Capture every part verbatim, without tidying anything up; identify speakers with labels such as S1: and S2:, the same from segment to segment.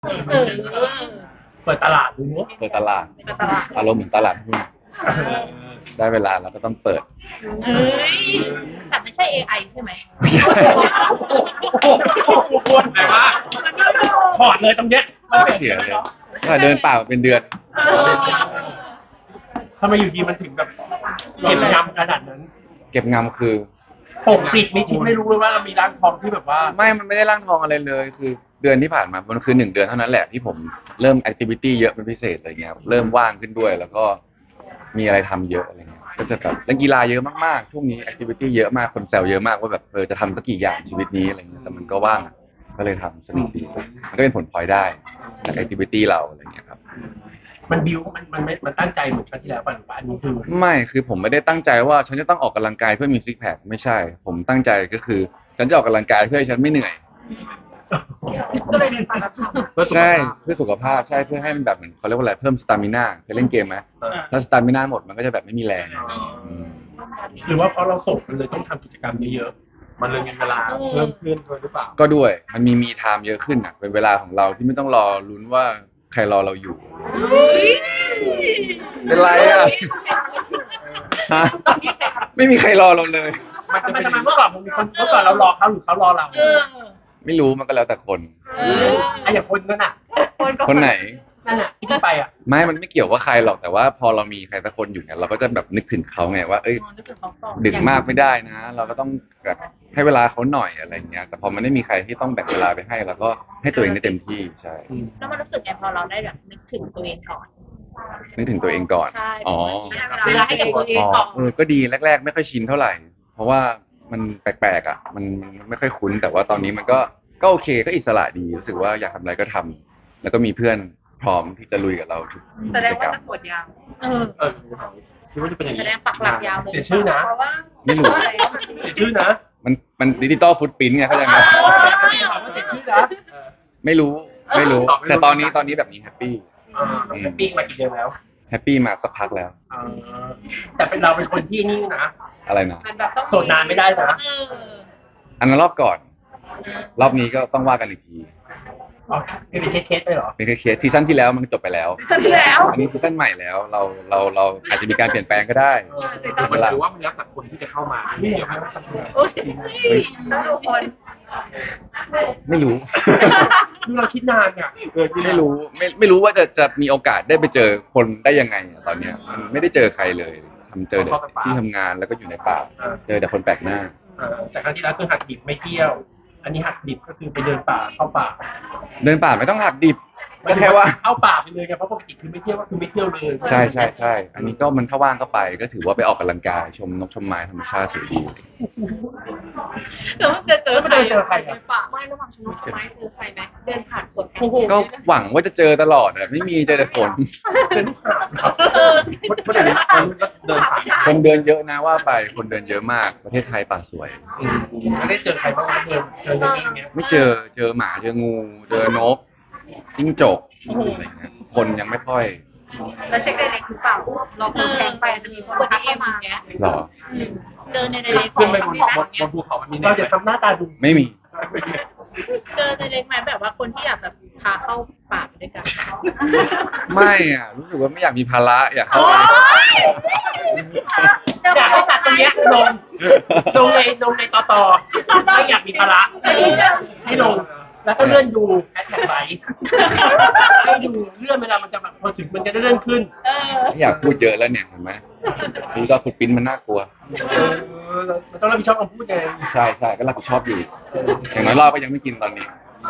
S1: เออ
S2: เปิดตลาดดูเนาะ
S3: เปิดตลาด
S1: เป็นตลาด
S3: อารมณ์เหมือนตลาดหุ้นได้เวลาเราก็ต้องเปิด
S1: เฮ้ยแต่ไม่ใช่ เอ ไอ ใช่ไหม
S2: พูดแต่ว่าถอดเลยตรงเนี้ยมัน
S3: เสียเลยก็เดินป่ามาเป็นเดือน
S2: ทำไมอยู่ดีมันถึงแบบเก็บยำขนาดนั้น
S3: เก็บงำคือ
S2: ปกปิดมิชิดไม่รู้เลยว่าเรามีร้านทองที่แบบว่า
S3: ไม่มันไม่ได้ร่างทองอะไรเลย คือเดือนที่ผ่านมา มันคือหนึ่งเดือนเท่านั้นแหละที่ผมเริ่มแอคทิวิตี้เยอะเป็นพิเศษอะไรเงี้ย เริ่มว่างขึ้นด้วย แล้วก็มีอะไรทำเยอะอะไรเงี้ย ก็จะแบบเล่นกีฬาเยอะมากๆ ช่วงนี้แอคทิวิตี้เยอะมาก คนแซวเยอะมากว่าแบบเออจะทำสักกี่อย่างชีวิตนี้อะไรเงี้ย แต่มันก็ว่าง ก็เลยทำสนุกดี มันก็เป็นผลพลอยได้จากแอคทิวิตี้เราอะไรเงี้ยครับ
S2: มันบิวมันมันไม่มันตั้งใจเหมือนครั้งที่แล้วป่ะหรือว่าอันนี้คือ
S3: ไม่คือผมไม่ได้ตั้งใจว่าฉันจะต้องออกกำลังกายเพื่อมีซิกแพคไม่ใช่ ผมตั้งใจก็คือฉันจะออกกำลังกายเพื่อให้ฉันไม่เหนื่อย
S1: ก็เลยเรียนปาราทำ
S3: ใช่เพื่อสุขภาพใช่เพื่อให้มันแบบเหมือนเขาเรียกว่าอะไรเพิ่มสตามิน่าเคยเล่นเกมไหมถ้าสตามิน่าหมดมันก็จะแบบไม่มีแรงอืม
S2: หรือว่าเพราะเราโสดมันเลยต้องทำกิจกรรมเยอะๆมันเลยมีเวลาเพิ่มขึ้นด้วยหรือเปล่า
S3: ก็ด้วยมันมีมีไทม์เยอะขึ้นอ่ะเป็นเวลาของเราที่ไม่ต้องรอลุ้นว่าใครรอเราอยู่เป็นไรอ่ะฮะไม่มีใครรอเราเลย
S2: มันจะเป็นทำไมเมื่อก่อนมันมีคนเมื่อก่อนเรารอเขาหรือเขารอเรา
S1: เออ
S3: ไม่รู้มันก็แล้วแต่คน
S1: เออ
S2: ไอ้อย่างคนนั้นอ่ะ
S3: คนไหน
S2: นั่นอ่ะที่ไปอ่ะ
S3: ไม่มันไม่เกี่ยวว่าใครหรอกแต่ว่าพอเรามีใครสักคนอยู่เนี่ยเราก็จะแบบนึกถึงเขาไงว่าเอ้ยดึกมากไม่ได้นะ เราก็ต้องแบบให้เวลาเขาหน่อยอะไรเงี้ยแต่พอมันไม่มีใครที่ต้องแบ่งเวลาไปให้เราก็ให้ตัวเองได้เต็มที่ใช่
S1: แล้วมันรู้สึกไงพอเราได้แบบนึกถึงตัวเองก่อน
S3: นึกถึงตัวเองก่อน
S1: ใช่
S3: อ๋อ
S1: เวลาให้กับตัวเอง
S3: อ๋อ
S1: ก่อน
S3: เออก็ดีแรกๆไม่ค่อยชินเท่าไหร่ เพราะว่ามันแปลกๆอ่ะมันมันไม่ค่อยคุ้นแต่ว่าตอนนี้มันก็ก็โอเคก็อิสระดีรู้สึกว่าอยากทำอะไรก็ทำแล้วก็มีเพื่อนพร้อมที่จะลุยกับเราทุก
S1: แส
S3: กิ
S1: ดง
S3: จกร
S1: ว่าร
S3: ม
S1: จะปวดยาวเออ
S2: เออคิดว่าจะเป็นอย่าง
S1: แส
S2: นี้
S1: ดงปักหลักยาวเลย
S2: เสียชื่อนะ
S1: เพราะว่า
S3: ไม่รู้
S2: เสียชื่อนะ
S3: มันมันดิจิตอลฟุตปรินท์ไงเข้าใจไหม
S2: ถามว่าเสียชื่อนะ
S3: ไม่รู้ไม่รู้ แต่ตอนนี้ตอนนี้แบบนี้แฮปปี้
S2: เออแฮปปี้มากี่เดือนแล้ว
S3: แฮปปี้มาสักพักแล้ว
S2: เออแต่เป็นเราเป็นคนที่นิ่งนะ
S3: อะไรนะ
S1: มันแบบต้อง
S2: โสดนานไม่ได้นะ
S1: เออ
S3: อันนั้นรอบก่อน รอบนี้ก็ต้องว่ากันอีกที
S2: อ๋อเป็นเคสๆไปเหรอ
S3: เป็นแค่เคสซีซั่นที่แล้วมันจบไปแล้ว
S1: ซีซั่นที่แล้ว
S3: อันนี้ซีซั่นใหม่แล้วเราเราเราอาจจะมีการเปลี่ยนแปลงก็ได้
S2: แต่มันถือว่ามันแล้วแต่คนที่จะเข้ามาไม่เกี่ยวกับ
S1: โอ้ยทุกคน
S3: ไม่รู้
S2: ดูเราคิดนานอ่ะ
S3: เออที่ไม่รู้ไม่ไม่รู้ว่าจะจะมีโอกาสได้ไปเจอคนได้ยังไงอะตอนเนี้ยมันไม่ได้เจอใครเลยทำเจอแต่ที่ทำงานแล้วก็อยู่ในป่าเจอแต่คนแปลกหน้า
S2: เออแต่ครั้งที่แล้วคือหักดิบไม่เที่ยว อันนี้หักดิบก็คือไปเดินป่าเข้าป่า
S3: เดินป่าไม่ต้องหักดิบก็แค่ว่า
S2: เข้าป่าไปเลยไงเพราะปกติคือไม่เที่ยวก็คือไม่เที่ยวเลย
S3: ใช่ใช่ใช่อันนี้ก็มันถ้าว่างก็ไปก็ถือว่าไปออกกำลังกายชมนกชมไม้ธรรมชาติสวยดี
S1: แล้วมันจะเจอ
S2: แล้วไม่ได้เจอใครอ่ะ
S1: ป่าไม่ระหว่างชนกไม้เจอใครไหมเดินผ่านคนกัน
S3: ก็หวังว่าจะเจอตลอดอะไม่มีเจอแต่ฝน
S2: เป็นลูกหาบเหรอคนเดินเดินผ่าน
S3: คนเดินเยอะนะว่าไปคนเดินเยอะมากประเทศไทยป่าสวย
S2: อืมแล้วได้เจอใครบ้างไหมเดินเจอเรื่องนี้เนี้ย
S3: ไม่เจอเจอหมาเจองู เจอนกจิ้งจกอะไรเงี้ยคนยังไม่ค่อย
S1: แล้วเช็คไดเรกหรือเปล่าเราเปิดแทงไปจะมีคนทักเข้ามาเงี้ย
S3: หรอ
S1: เจอในไดเรก
S2: ขึ้นไปบนบนบนภูเขามันมีเราจะทำหน้าตาดู
S3: ไม่มี
S1: เจอในเล็กไหมแบบว่าคนที่อยากแบบพาเข้าป่าไปด้วยกัน
S3: ไม่อ่ะรู้สึกว่าไม่อยากมีภาระอยากเข้าไป
S2: อยากให้ตัดตรงเนี้ยลงลงในลงในต่อต่อไม่อยากมีภาระให้ลงแล้วก็เลื่อนดูแอดแท็กไลท์ให้ดูเลื่อนเวลามันจะแบบพอถึงมันจะได้เลื่อนขึ้น
S1: เออ
S3: ไม่อยากพูดเยอะแล้วเนี่ยเห็นไหมดูตอนฟุตปรินท์มันน่ากลัว
S2: เออมันต้องรับผิดชอบคำพูดไง
S3: ใช่ใช่ก็รับผิดชอบอยู่อย่างน้อยรอบก็ยังไม่กินตอนนี้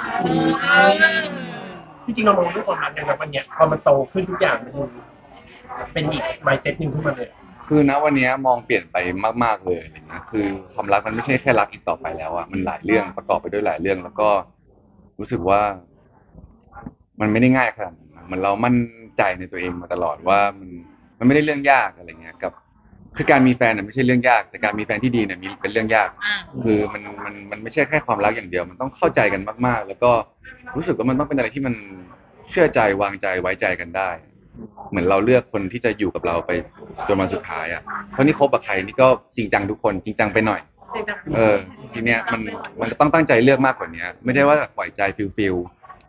S2: ที่จริงเรามองเรื่องความรักอย่างแบบวันเนี้ยพอมันโตขึ้นทุกอย่างมันดูเป็นอีก mindset หนึ่งขึ้นมาเลย
S3: คือนะวันนี้มองเปลี่ยนไปมากๆเลยอะไรเงี้ยคือความรักมันไม่ใช่แค่รักอีกต่อไปแล้วอะมันหลายเรื่องประกอบไปด้วยหลายเรื่อง แล้วก็รู้สึกว่า มันไม่ได้ง่ายขนาดนั้นนะมันเรามั่นใจในตัวเองมาตลอดว่ามันมันไม่ได้เรื่องยากอะไรเงี้ยกับ คือการมีแฟนเนี่ยไม่ใช่เรื่องยาก แต่การมีแฟนที่ดีเนี่ยมีเป็นเรื่องยาก
S1: อ่า
S3: คือมันมันมันไม่ใช่แค่ความรักอย่างเดียว มันต้องเข้าใจกันมากๆ แล้วก็รู้สึกว่ามันต้องเป็นอะไรที่มันเชื่อใจวางใจไว้ใจกันได้ เหมือนเราเลือกคนที่จะอยู่กับเราไปจนวันสุดท้ายอ่ะ เพราะนี่คบกับใครนี่ก็จริงจังทุกคนจริงจังไปหน่อย เออทีเนี้ยมันมันก็ต้องตั้งใจเลือกมากกว่านี้ไม่ได้ว่าปล่อยใจฟิลฟิล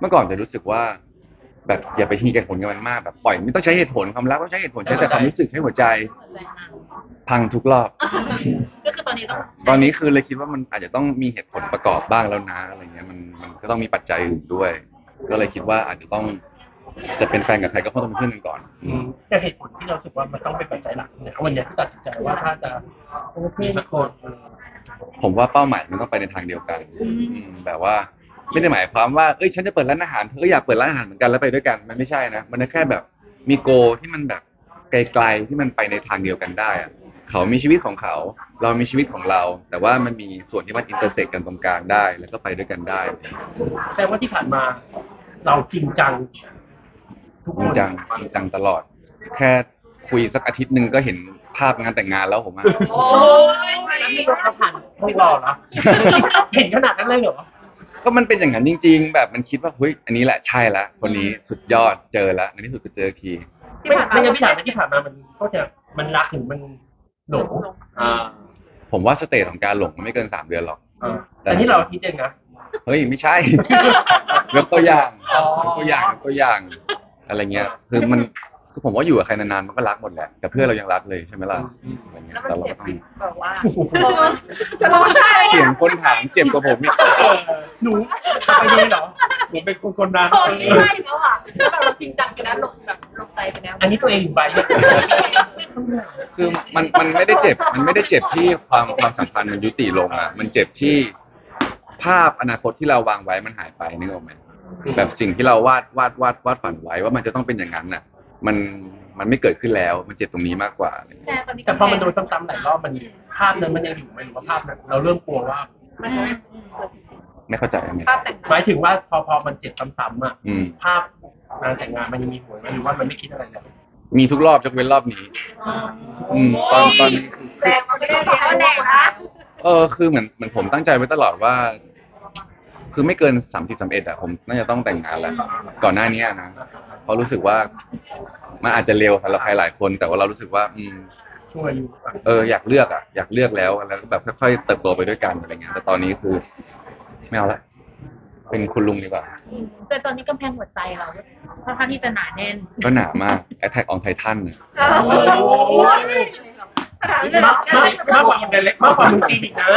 S3: เมื่อก่อนจะรู้สึกว่า แบบอย่าไปทีเหตุผลกับมันมากแบบปล่อยไม่ต้องใช้เหตุผลความรักต้องใช้เหตุผลใช้แต่ความรู้สึกใช้หัวใจ
S1: ใจนาง
S3: พังทุกรอบ
S1: ก็คือตอนนี้ต้อง
S3: ตอนนี้คือเลยคิดว่ามันอาจจะต้องมีเหตุผลประกอบบ้างแล้วนะอะไรเงี้ยมันมันก็ต้องมีปัจจัยอื่นด้วย ก็เลยคิดว่าอาจจะต้องจะเป็นแฟนกับใครก็ต้องเป็นเพื่อนกันก่อน
S2: อืมแต่เหตุผลที่เรารู้สึกว่ามันต้องเป็นปัจจัยหลักเนี่ยวันเนี้ยที่ตัดสินใจว่าถ้าจะมีสักคน
S3: ผมว่าเป้าหมายมันต้องไปในทางเดียวกันอืมแบบว่าไม่ได้หมายความว่าเอ้ยฉันจะเปิดร้านอาหารเธอก็อยากเปิดร้านอาหารเหมือนกันแล้วไปด้วยกันมันไม่ใช่นะมันแค่แบบมีโกที่มันแบบไกลๆที่มันไปในทางเดียวกันได้อะเขามีชีวิตของเขา เรามีชีวิตของเรา แต่ว่ามันมีส่วนที่มันอินเตอร์เซ็กกันตรงกลางได้ แล้วก็ไปด้วยกันได้
S2: แสดงว่าที่ผ่านมาเราจริงจังทุก
S3: จ
S2: ค
S3: ริง
S2: น
S3: จังจริงจังตลอด แค่คุยสักอาทิตย์หนึ่งก็เห็นภาพงานแต่งงานแล้วผมอะ
S1: โอ้ย
S2: แล้วนี่เราผ่านพวกเราเหรอเห็นขนาดนั้นเลยเหรอ
S3: ก็มันเป็นอย่างนั้นจริง ๆ แบบมันคิดว่าเฮ้ยอันนี้แหละใช่ละคนนี้สุดยอดเจอแล้วในที่สุดก็เจอที
S2: ไม่ไม่งั้นพี่ถามว่าที่ผ่านมามันก็จะมันรักหรือมันหลงอ่า
S3: ผมว่าสเตจของการหลงมันไม่เกินสามเดือนหรอก
S2: อ่าแต่ที่เราคิดเองนะ
S3: เฮ้ยไม่ใช่ ยกตัวอย่าง
S2: อ๋อ
S3: ยกตัวอย่างยกตัวอย่าง อะไรเงี้ย คือมันคือผมว่าอยู่กับใครนานๆมันก็รักหมดแหละแต่เพื่อนเรายังรักเลยใช่ไหมล่ะอะไรเงี้ย
S1: แล้วมัน
S3: แต่เรา
S1: เจ็บ
S3: ก็ต้อง
S1: แบบว่า
S2: จะร้องไห้
S3: เสียงคนถามเจ็บกว่าผมอีก
S2: เออหนูไปดีเหรอหนูเป็นคนคนนั้น
S1: ตอนนี้ใช่แล้วอ่ะแล้วแบบเราจริงจังกันแล้วลงแบบลงใจไปแล้ว
S2: อันนี้ตัวเองอยู่ใบเนี่ย
S3: คือมันมันไม่ได้เจ็บ มันไม่ได้เจ็บที่ความความสัมพันธ์มันยุติลงอ่ะ มันเจ็บที่ภาพอนาคตที่เราวางไว้มันหายไปนึกออกไหมแบบสิ่งที่เราวาดวาดวาดวาดฝันไว้ว่ามันจะต้องเป็นอย่างนั้นน่ะ มันมันไม่เกิดขึ้นแล้ว มันเจ็บตรงนี้มากกว่า
S1: แต่ตอนนี้
S2: แต่พอมันโดนซ้ำๆหลายรอบมันภาพนั้นมันยังอยู่ไหมหรือว่าภาพนั้นเราเริ่มกลัวว่า
S1: มันจะไม่
S3: ไม่เข้าใจอันนี้
S1: ภาพแต่ง
S2: หมายถึงว่าพอพอมันเจ็บซ้ำๆอ่ะ
S3: อืม
S2: ภาพงานแต่งงานมันยังมีหัวไหมหรือว่ามันไม่คิดอะไรเลย
S3: มีทุกรอบยกเว้นรอบนี้ อืมตอนตอนนี้คือ
S1: แรงมันไม่ได้เรียนแรงนะ
S3: เออคือเหมือนเหมือนผมตั้งใจไว้ตลอดว่า คือไม่เกินสามสิบสามเอ็ดอะผมน่าจะต้องแต่งงานแล้วก่อนหน้านี้นะเพราะรู้สึกว่ามันอาจจะเร็วสำหรับใครหลายคน แต่ว่าเรารู้สึกว่า อืม
S2: ช่วยอยู่อ่ะ
S3: เอออยากเลือกอะอยากเลือกแล้วแล้วก็แบบค่อยๆเติบโตไปด้วยกันอะไรเงี้ยแต่ตอนนี้คือไม่เอาละเป็นคุณลุงดีกว่า
S1: จนตอนนี้กำแพงหัวใจเราค่อนข้างที่จะหนาแน่น
S3: ก็หนามาก Attack on Titan เนี่ย
S2: โอ้ยมากมากมากกว่าคนเล็กมากกว่ามึงจีนอีกนะ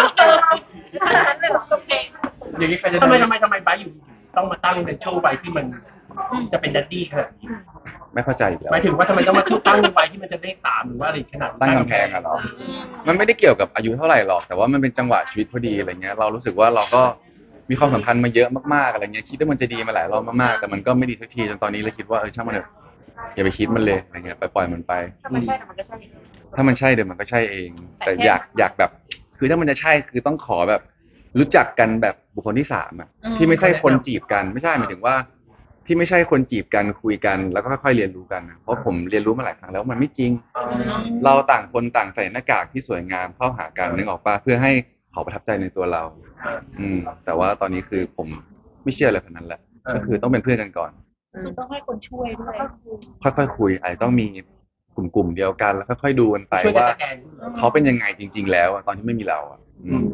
S2: อย่างนี้ใครจะทำไมทำไมทำไมไบร์ทอยู่ดีๆต้องมาตั้งเป็นช่วงวัยที่มันจะเป็นดัดดี้ขนาดนี้
S3: ไม่เข้าใจอีกแล้ว
S2: หมายถึงว่าทำไมต้องมาตั้งวัยที่มันจะเลขสามหรือว่าอะไรขนาด
S3: ตั้งกำแพงอะเหรอ มันไม่ได้เกี่ยวกับอายุเท่าไหร่หรอก แต่ว่ามันเป็นจังหวะชีวิตพอดีอะไรเงี้ย เรารู้สึกว่าเราก็มีความสัมพันธ์มาเยอะมากๆอะไรเงี้ย คิดว่ามันจะดีมาหลายรอบมากๆ แต่มันก็ไม่ดีสักทีจนตอนนี้เลยคิดว่าเออช่างมันเถอะอย่าไปคิดมันเลยอะไรเงี้ยไปปล่อยมันไป
S1: ถ้ามันใช่แต่มันก็ใช่
S3: ถ้ามันใช่เดี๋ยวมันก็ใช่เอง แต่อยากอยากแบบ คือถ้ามันจะใช่คือต้องขอแบบ รู้จักกันแบบบุคคลที่สามอะที่ไม่ใช่คนจีบกันไม่ใช่หมายถึงว่า ที่ไม่ใช่คนจีบกันคุยกันแล้วก็ค่อยๆเรียนรู้กันนะเพราะผมเรียนรู้มาหลายครั้งแล้วมันไม่จริง เราต่างคนต่างใส่หน้ากากที่สวยงามเข้าหากันนึกออกปะเพื่อให้เขาประทับใจในตัวเรา อืม แต่ว่าตอนนี้คือผมไม่เชื่ออะไรแบบนั้นแหละก็คือต้องเป็นเพื่อนกันก่อน
S1: คือต้องให้คนช่วยด้วย
S3: ค่อยๆคุยอาจจะต้องมีกลุ่มๆเดียวกันแล้วค่อยๆดูกันไป
S2: ช่วยกัน
S3: ว่า
S2: สแกน
S3: เขาเป็นยังไงจริง ๆ แล้วอะตอนที่ไม่มีเราอะอืม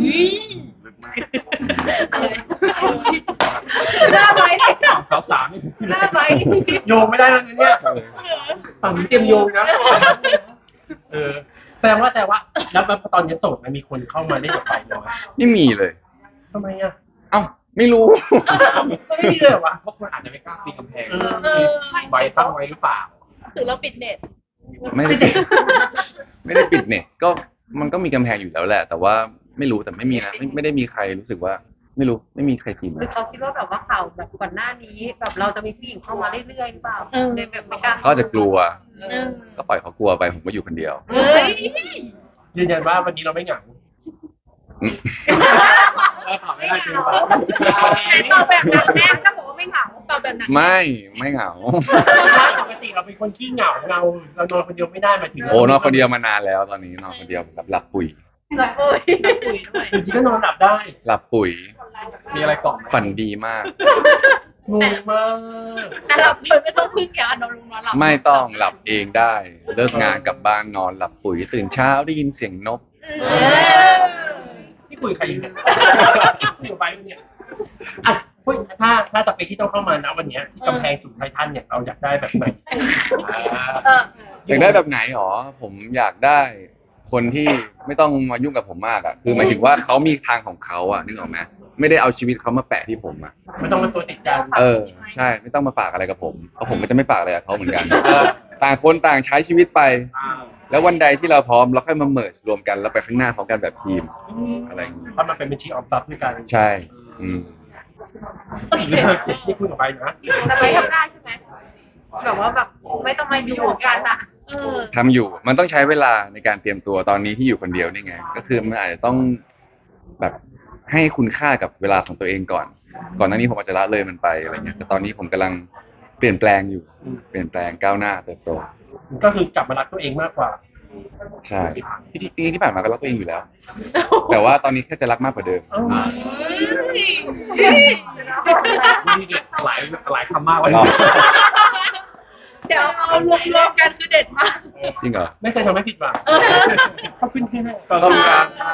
S1: หน้าไว้เนี่ย
S2: สาวสาม
S1: หน้าไว้
S2: โยงไม่ได้แล้วนะเนี่ยฝั่งนี้เตรียมโยงนะเออแสดงว่าแสดงว่าแล้วตอนนี้โสดมันมีคนเข้ามาเล่นกับไปน้อย
S3: ไม่มีเลย
S2: ทำไมอ่ะ
S3: เอ้าไม่รู้
S2: ไม่มีเลยเหรอวะ
S4: เพราะคนอาจจะไม่กล้าปีนกำแพง
S2: เออ
S1: เออ
S4: ไว้ตั้งไว้หรือเปล่า
S1: ถือเราปิดเน็ต
S3: ไม่ได้ปิดไม่ได้ปิดเน็ตก็มันก็มีกำแพงอยู่แล้วแหละ แต่ว่าไม่รู้แต่ไม่มีนะไม่ไม่ได้มีใครรู้สึกว่า ไม่รู้ไม่มีใครจีบ
S5: หรือเขาคิดว่าแบบว่าข่าวแบบก่อนหน้านี้แบบเราจะมีผู้หญิงเข้ามาเรื่อยๆหรือเปล่าเลยแบบไม่กล้า
S3: เขาอาจจะกลัว
S5: เออ
S3: ก็ปล่อยเขากลัวไปผมก็อยู่คนเดียว
S5: เฮ้ย
S2: ยืนยันว่าวันนี้เราไม่เหงา
S3: อืม
S4: เราตอบไม่ได้จริงป่ะ
S1: ตอบแบบหนักแน่นถ้าบอกว่าไม่เหงาตอบแบบหนัก
S3: ไม่ไม่เหงา
S2: ปกติเราเป็นคนขี้เหงาเราเรานอนคนเดียวไม่ได้หมายถึง
S3: โอ้นอนคนเดียวมานานแล้วตอนนี้นอนคนเดียวแบบหลับปุ๋ย
S1: เราโอ้ยเราคุยด้วย
S2: จริงๆก็นอนหลับได้
S3: หลับปุ๋ย
S4: มีอะไรกล่องไหม
S3: ฝันดีมาก
S2: งงมาก
S1: แต่เราเคยไม่ต้องพึ่งยานอนลงนอนหลับ
S3: ไม่ต้องหลับเองได้ เลิกงานกลับบ้านนอนหลับปุ๋ยตื่นเช้าได้ยินเสียงนก
S1: เออ
S2: พี่คุยกับใครอยู่เนี่ยคุยกับไปเนี่ยอ่ะเฮ้ยถ้าถ้าสเปคที่ต้องเข้ามานะวันเนี้ยที่กำแพงสูงไททันเนี่ยเราอยากได้แบบไหนอ่า
S1: เออ
S3: อยากได้แบบไหนหรอผมอยากได้คนที่ไม่ต้องมายุ่งกับผมมากอ่ะคือหมายถึงว่าเขามีทางของเขาอ่ะนึกออกไหมไม่ได้เอาชีวิตเขามาแปะที่ผมอ่ะ
S2: ไม่ต้องมาตัวติดกัน
S3: เออใช่ไม่ต้องมาฝากอะไรกับผมเพราะผมก็จะไม่ฝากอะไรกับเขาเหมือนกัน
S2: เออ
S3: ต่างคนต่างใช้ชีวิตไป
S2: อ่า
S3: แล้ววันใดที่เราพร้อมเราค่อยมาเมิร์รวมกันแล้วไปข้างหน้าพร้อมกันแบบทีมอะไรอย่างงี้
S2: เพราะมันเป็นบัญชีออมทรัพย์ด้วยกัน
S3: ใช่อืม
S2: นี่คุยกับไปนะ
S5: แต่ไม่ทำได้ใช่ไหมแบบว่าแบบไม่ต้องมาอยู่กันอะ
S1: เออ
S3: ทำอยู่มันต้องใช้เวลาในการเตรียมตัวตอนนี้ที่อยู่คนเดียวนี่ไง ก็คือมันอาจจะต้องแบบให้คุณค่ากับเวลาของตัวเองก่อน ก่อนหน้านี้ผมอาจจะละเลยมันไปอะไรเงี้ยแต่ตอนนี้ผมกำลังเปลี่ยนแปลงอยู่ เปลี่ยนแปลงก้าวหน้าเติบโต
S2: ก็คือกลับมารักตัวเองมากกว่า
S3: ใช่ที่จริงๆที่ผ่านมาก็รักตัวเองอยู่แล้ว แต่ว่าตอนนี้แค่จะรักมากกว่าเดิม
S4: นี่เด็ดหลายหลายคำมากวัน
S3: หรอ
S4: นี้
S1: เดี๋ยวเอารวมๆกันคือเด็ดมาก
S3: จริงเหรอ
S2: ไม่เคยทำให้ผิดหวังขอบคุณที่ให้
S4: ขอบคุณครับ